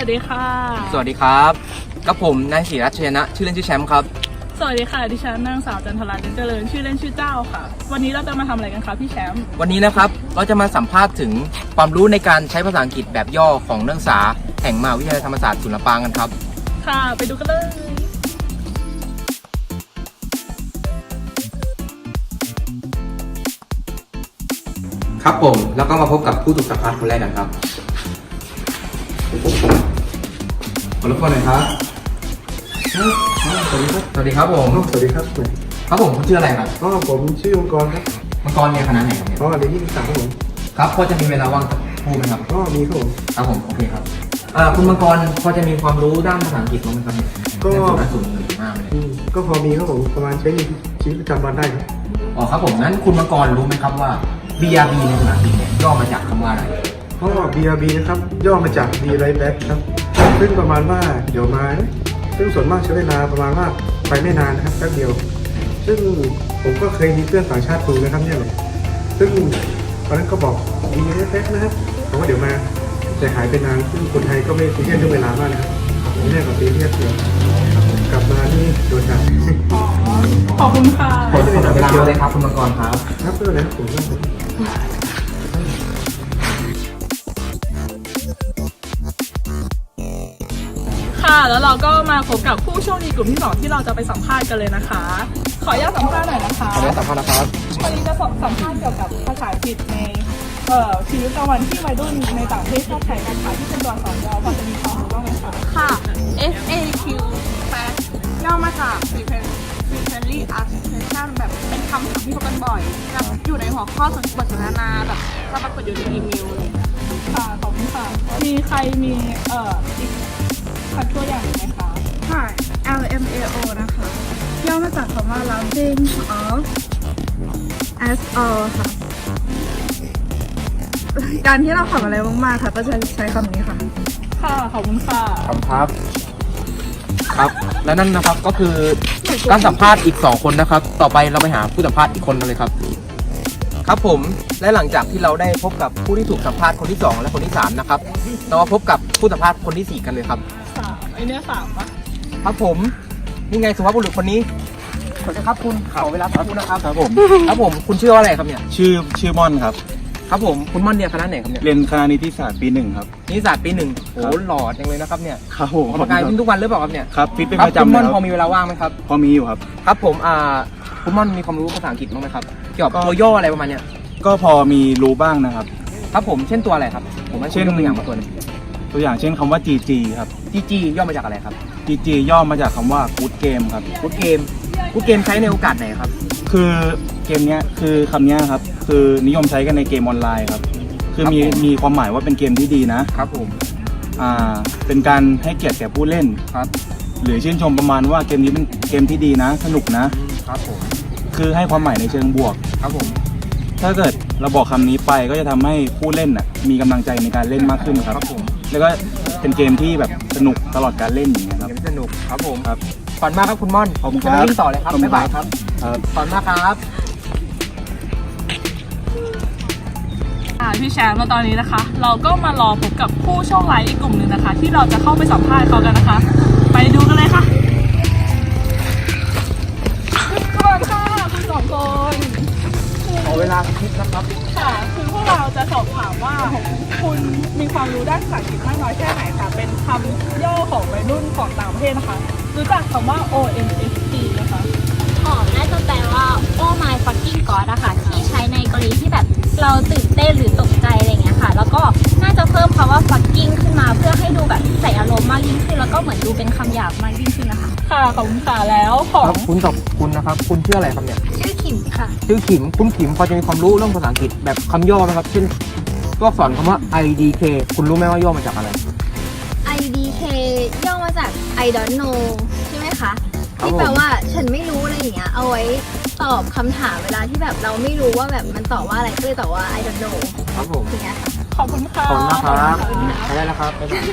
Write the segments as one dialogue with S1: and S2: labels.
S1: วัสดีค่ะ
S2: สวัสดีครับกับผมนายศิรัชยนะชื่อเล่นชื่อแชมป์ครับ
S1: สวัสดีค่ะดิฉันนางสาวจันทราเจริญชื่อเล่นชื่อเจ้าค่ะวันนี้เราจะมาทำอะไรกันคะพี่แชมป์
S2: วันนี้นะครับเราจะมาสัมภาษณ์ถึงความรู้ในการใช้ภาษาอังกฤษแบบย่อของนักศึกษาแห่งมหาวิทยาลัยธรรมศาสตร์ศูนย์ลำปางกันครับ
S1: ค่ะไปดูกันเลย
S2: ครับผมแล้วก็มาพบกับผู้ถูกสัมภาษณ์คนแรกกันครับขอรบกวนหน่อยครับสวัสดีครับผม
S3: สวัสดีครับ
S2: ครับผมคุณชื่ออะไรครับ
S3: ผมชื่อมังกรครับ
S2: มังกรเนี่ยคณะไหนครับเนี่ย
S3: เรียนที่13ครับผม
S2: ครับพอจะมีเวลาว่างสักครู่ไหมครับ
S3: มีครับผม
S2: ครับผมโอเคครับคุณมังกรพอจะมีความรู้ด้านภาษาอังกฤษบ้างไหมครับก็สูงมากเลย
S3: ก็พอมีครับผมประมาณใช้ในชีวิตประจำวันได้ครับ
S2: อ๋อครับผมนั้นคุณมังกรรู้ไหมครับว่า BRB ในภาษาอังกฤษเนี่ยย่อมาจากคำว่าอะไร
S3: BRB นะครับย่อมาจาก Be Right Back ครับซึ่งประมาณว่าเดี๋ยวมาซึ่งส่วนมากใช้เวลาประมาณว่าไปไม่นานนะครับแป๊บเดียวซึ่งผมก็เคยมีเพื่อนต่างชาติดูนะครับเนี่ยซึ่งตอนนั้นก็บอก Be Right Back นะครับแต่ว่าเดี๋ยวมาแต่หายไปนานซึ่งคนไทยก็ไม่ซีเรียสเรื่องเวลามากนะครับไม่ได้กับซีเรียสเดียวกลับมานี่โดนจับ
S1: ขอบคุณค่ะ
S2: ขอบคุณเวลาเลยครับคุณมังกรครับ
S3: ครับเพื่อนนะผม
S1: ค่ะแล้วเราก็มาพบกับผู้โชคดีกลุ่มที่2ที่เราจะไปสัมภาษณ์กันเลยนะคะ ขออนุญาตสัมภาษณ์หน่อยนะคะ
S2: ขออนุญาตสัมภาษณ์นะครับ
S1: วันนี้จะสัมภาษณ์เกี่ยวกับภาษาอังกฤษในชีวิตประจำวันที่วัยรุ่นในต่างประเทศชอบใช้กันค่ะที่เป็นตัวอักษรย่อพอจะมีความรู้บ้างไหมคะ
S4: ค่ะ FAQ Fast ย่อมาจาก Frequently Asked Questions แบบเป็นคำถามที่พบกันบ่อยแบบอยู่ในหัวข้อบทสนทนาแบบจะปรากฏอยู่ในอีเมลเลย
S1: ค่ะขอบคุณค่ะมีใครมีอีกตัวอย่างไหมคะ
S4: ค่ะ LMAO นะคะย่อมาจากคำว่า Launching of as all ค่ะการที่เราทำอะไรมากๆค่ะก็จะใช้คำนี้ค่ะ
S1: ค่ะขอบคุณค่ะ
S2: ครับครับและนั่นนะครับก็คือการสัมภาษณ์อีก2คนนะครับต่อไปเราไปหาผู้สัมภาษณ์อีกคนกันเลยครับครับผมและหลังจากที่เราได้พบกับผู้ที่ถูกสัมภาษณ์คนที่2และคนที่3นะครับเรามาพบกับผู้สัมภาษณ์คนที่4กันเลยครับ
S1: ไอเนี้ย3ปะ
S2: ครับผมนี่ไงสุภาพบุรุษคนนี้ขอจะครับคุณขอเวลาสักครู่นะครับ
S5: ครับผม
S2: ครับผมคุณชื่ออะไรครับเนี่ย
S5: ชื่อม่อนครับ
S2: ครับผมคุณม่อนเนี่ยคณะไหนครับเนี่ย
S5: เรียนคณะนิติศาสตร์ปี1ครับ
S2: นิติศาสตร์ปี1โอ้หล่อจังเลยนะครับเนี่ย
S5: ครับผม
S2: ออกกำลังกายขึ้นทุกวันหรือเปล่าครับเนี่ย
S5: ครับฟิตเป็นประจำเลย
S2: คุณม่อนพอมีเวลาว่างไหมครับ
S5: พอมีอยู่ครับ
S2: ครับผมคุณม่อนมีความรู้ภาษาอังกฤษบ้างไหมครับเกี่ยวกับตัวย่ออะไรประมาณเนี้ย
S5: ก็พอมีรู้บ้างนะครับ
S2: ครับผมเช่นตัวอะไรครับผมเช่นตัวอย่างมาตัวนึง
S5: ตัวอย่างเช่นคำว่า GG ครับ
S2: GG ย่อมาจากอะไรครับ
S5: GG ย่อมาจากคำว่า Good Game ครับ
S2: Good Game ใช้ในโอกาสไหนครับ
S5: คือเกมนี้คือคำนี้ครับคือนิยมใช้กันในเกมออนไลน์ครับคือมีความหมายว่าเป็นเกมที่ดีนะครับ
S2: ผม
S5: เป็นการให้เกียรติแก่ผู้เล่น
S2: ครับ
S5: หรือชื่นชมประมาณว่าเกมนี้เป็นเกมที่ดีนะสนุก
S2: นะครับผม
S5: คือให้ความหมายในเชิงบวก
S2: ครับผม
S5: ถ้าเกิดเราบอกคำนี้ไปก็จะทำให้ผู้เล่นมีกำลังใจในการเล่นมากขึ้นครับแล้วก็เป็นเกมที่แบบสนุกตลอดการเล่นอย่างเงี้ยครับ
S2: สนุกครับผม
S5: ครับ
S2: ขอบคุณมากครับคุณม่อน
S5: ขอบคุณครับ
S2: ต่อเลยครับบ๊ายบายครับขอบคุณมากครับ
S1: พี่แชมป์มาตอนนี้นะคะเราก็มารอพบกับผู้โชคร้ายอีกกลุ่มหนึ่งนะคะที่เราจะเข้าไปสัมภาษณ์เขากันนะคะไปดูกันเลยค่ะสวัสดีค่ะคุณ2คน
S2: ขอเวลาคิดนะครับ
S1: ค่ะคือพวกเราจะสอบถามว่าคุณมีความรู้ด้านภาษาอังกฤษมากน้อยแค่ไหนค่ะเป็นคำย่อของวัยรุ่นของต่างประเทศนะคะรู้จักคำว่า OMFG นะคะ
S4: น่าจะแปลว่า Oh my fucking god อะค่ะที่ใช้ในกรณีที่แบบเราตื่นเต้นหรือตกใจอะไรเงี้ยค่ะแล้วก็น่าจะเพิ่มคำว่า fucking ขึ้นมาเพื่อให้ดูแบบใส่อารมณ์มากยิ่งขึ้นแล้วก็เหมือนดูเป็นคำหยาบมากยิ่งขึ้นนะคะ
S1: ค่ะขอบคุณค่ะแล้วของ
S2: คุณนะครับคุณชื่ออะไรครับเนี่ย
S4: ชื่อขิมค่ะ
S2: ชื่อขิมคุณขิมพอจะมีความรู้เรื่องภาษาอังกฤษแบบคำย่อไหมครับเช่นตัวอักษรคำว่า IDK คุณรู้ไหมว่าย่อมาจากอะไร
S4: IDK ย่อมาจาก I don't know ใช่ไหมคะที่แปลว่าฉันไม่รู้อะไรอย่างเงี้ยเอาไว้ตอบคำถามเวลาที่แบบเราไม่รู้ว่าแบบมันตอบว่าอะไรก็เลยตอบว่า I don't know
S2: ครับผม
S4: อย่างเงี้ยค่ะ
S1: ขอบคุณค่ะ
S2: ขอบคุณนะครับไปได้แล้วครับ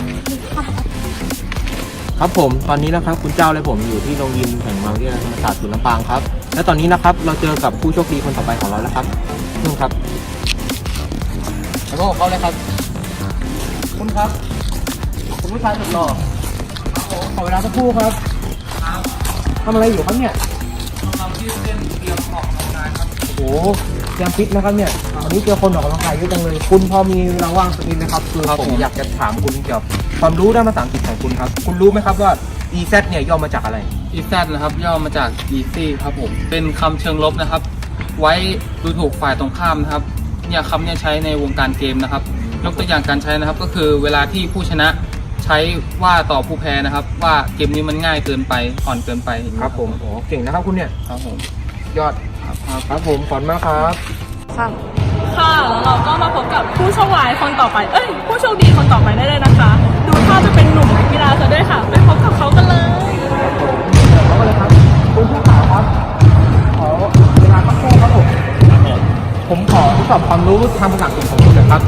S2: ครับผมตอนนี้นะครับคุณเจ้าและผมอยู่ที่โรงยิมแห่งมหาวิทยาลัยธรรมศาสตร์ศูนย์ลำปางครับและตอนนี้นะครับเราเจอกับผู้โชคดีคนต่อไปของเราแล้วครับนุ่นครับแล้วก็เขาเลยครับคุณครับคุณผู้ชายสุดหล่อขอเวลาสักครู่ครับทำอะไรอยู่ครับเนี่ยเราที่เล่นเตรียมออกกำลังกายครับโอ้โหเตรียมฟิตนะครับเนี่ยวันนี้เจอคนออกกำลังกายเยอะจังเลยคุณพอมีเวลาว่างสักนิดนะครับคือผมอยากจะถามคุณเกี่ยวกับความรู้ด้านภาษาอังกฤษของคุณครับคุณรู้ไหมครับว่า EZ เนี่ยย่อมาจากอะไร
S6: EZ นะครับย่อมาจาก easy ครับผมเป็นคำเชิงลบนะครับ ไว้ดูถูกฝ่ายตรงข้ามนะครับเนี่ยคำเนี่ยใช้ในวงการเกมนะครับยกตัวอย่างการใช้นะครับก็คือเวลาที่ผู้ชนะใช้ว่าต่อผู้แพ้นะครับ ว่าเกมนี้มันง่ายเกินไปอ่อนเกินไป
S2: ครับผมโอ้เก่งนะครับคุณเนี่ย
S6: ครับผม
S2: ยอดครับผมขอบคุณมากครับ
S1: ค่ะแล้วเราก็มาพบกับผู้โชคร้ายคนต่อไปผู้โชคดีคนต่อไปได้เลยนะคะ ดูท่าจะเป็นหนุ่มนักกีฬาซะด้วยค่ะไปพบกับเขากันเลย
S2: เข้ามาเลยครับคุณผู้ข่าวครับขอเวลาสักครู่ครับผมขอทดสอบความรู้ทางภาษาอังกฤษของคุณหน่อยครับ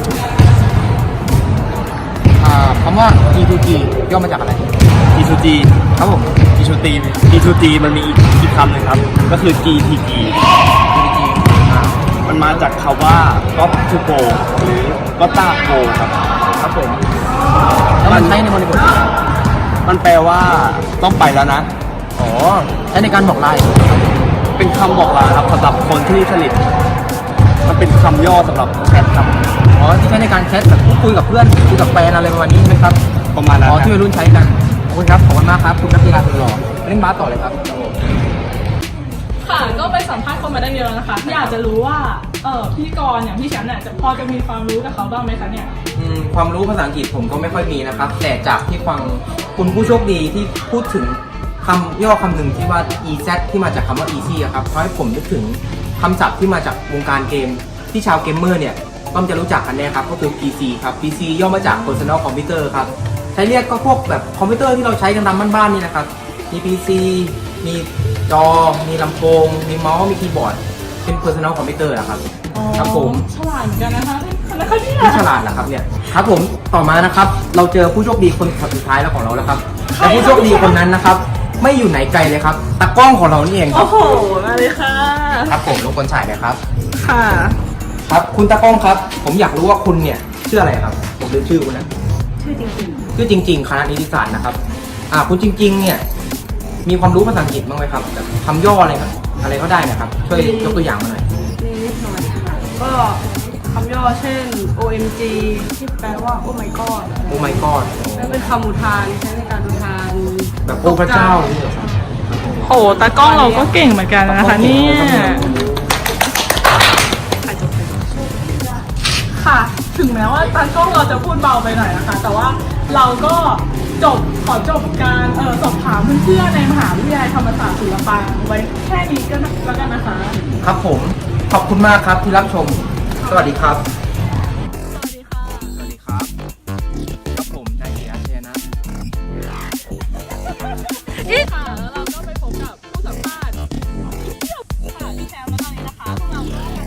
S2: คำว่า G2G ย่อมาจากอะไร
S7: G2G
S2: ครับผม
S7: G2G มันมีอีกคำหนึ่งครับ ก็คือ GTG
S2: G2G
S7: มันมาจากคำว่า got to go หรือ gotta go ครับ
S2: ครับผมแล้วมันใช้ในบริบท
S7: มันแปลว่าต้องไปแล้วนะ
S2: อ๋อใช้ในการบอกลา
S7: เป็นคำบอกลาครับสำหรับคนที่สนิทมันเป็นคำย่อสำหรับแชทครับ
S2: อ๋อที่ใช้ในการแชทแบบพูดคุยกับเพื่อนคุยกับแฟนอะไรประมาณนี้ใช่ไหมครับ
S7: ประมาณนั้น
S2: อ๋อ
S7: ครั
S2: ที่
S7: บ
S2: วัยรุ่นใช้กันขอบคุณครับขอบคุณมากครับคุณนักกีฬาสุดหล่อเล่นบาสต่อเลยครับ
S1: ค่ะก็ไปสัมภาษณ์คนมาได้เยอะแล้วนะคะอยากจะรู้ว่าพิธีกรอย่างพี่แชมป์เนี่ยพอจะมีความรู้กับเขาบ้างไหมคะเนี่ย
S2: ความรู้ภาษาอังกฤษผมก็ไม่ค่อยมีนะครับ แต่จากที่ฟังคุณผู้โชคดีที่พูดถึงคำย่อคำหนึ่งที่ว่า EZ ที่มาจากคำว่า easy อะครับเพราะให้ผมนึกถึงคำศัพท์ที่มาจากวงการเกมที่ชาวเกมเมอร์เนี่ยต้องจะรู้จักกันแน่ครับก็คือ PC ครับ PC ย่อมาจาก personal computer ครับใช้เรียกก็พวกแบบคอมพิวเตอร์ที่เราใช้กันตามบ้านๆนี่นะครับมี PC มีจอมีลำโพงมีเมาส์มีคีย์บอร์ดเป็น personal computer นะครับครับผม
S1: ฉลาดเหมือนกันนะคะแล้วก็เนี่ย
S2: ที่ฉลาดนะครับเนี่ยครับผมต่อมานะครับเราเจอผู้โชคดีคนสุดท้ายแล้วของเราแล้วครับและผู้โชคดีคนนั้นนะครับไม่อยู่ไหนไกลเลยครับตากล้องของเรานี่เองครั
S1: โอ้
S2: บ
S1: โหมาเลยค่ะ
S2: ครับผมรบกวนฉายหน่อยครับ
S1: ค่ะ
S2: ครับคุณตากล้องครับ ผมอยากรู้ว่าคุณเนี่ยชื่ออะไรครับผมลืมชื่อคุณนะชื่อจริงๆคณะนิติศาสตร์นะครับคุณจริงๆเนี่ยมีความรู้ภาษาอังกฤษบ้างไหมครับแบบคำย่ออะไรครับอะไรก็ได้นะครับช่วยยกตัวอย่างมาหน่อย
S8: นิดหน่อยค่ะก็คำย่อเช่น OMG ที่แปลว่า Oh my god
S2: โอ้ my god
S8: และเป็นคำอุทานใช้ในการอุทาน
S2: แบบโอ้พระเจ้านี่เหรอครับ
S1: โหตากล้องเราก็เก่งเหมือนกันนะคะเนี่ยค่ะ ถึงแม้ว่าตากล้องเราจะพูดเบาไปหน่อยนะคะ แต่ว่าเราก็ขอจบการสอบถามเพื่อนๆในมหาวิทยาลัยธรรมศาสตร์ศิลปาไว้แค่นี้ก็แล้วกันนะคะ
S2: ครับผมขอบคุณมากครับที่รับชมสวัสดีครับ
S1: สวัสดีค่ะ
S2: สวัสดีครับครับผมนายเกียรติเชยนะ
S1: ค่ะ แล้วเราก็ไปพบกับผู้สัมภาษณ์ค่ะพี่แชมป์แล้วตอนนี้นะคะพวกเราก็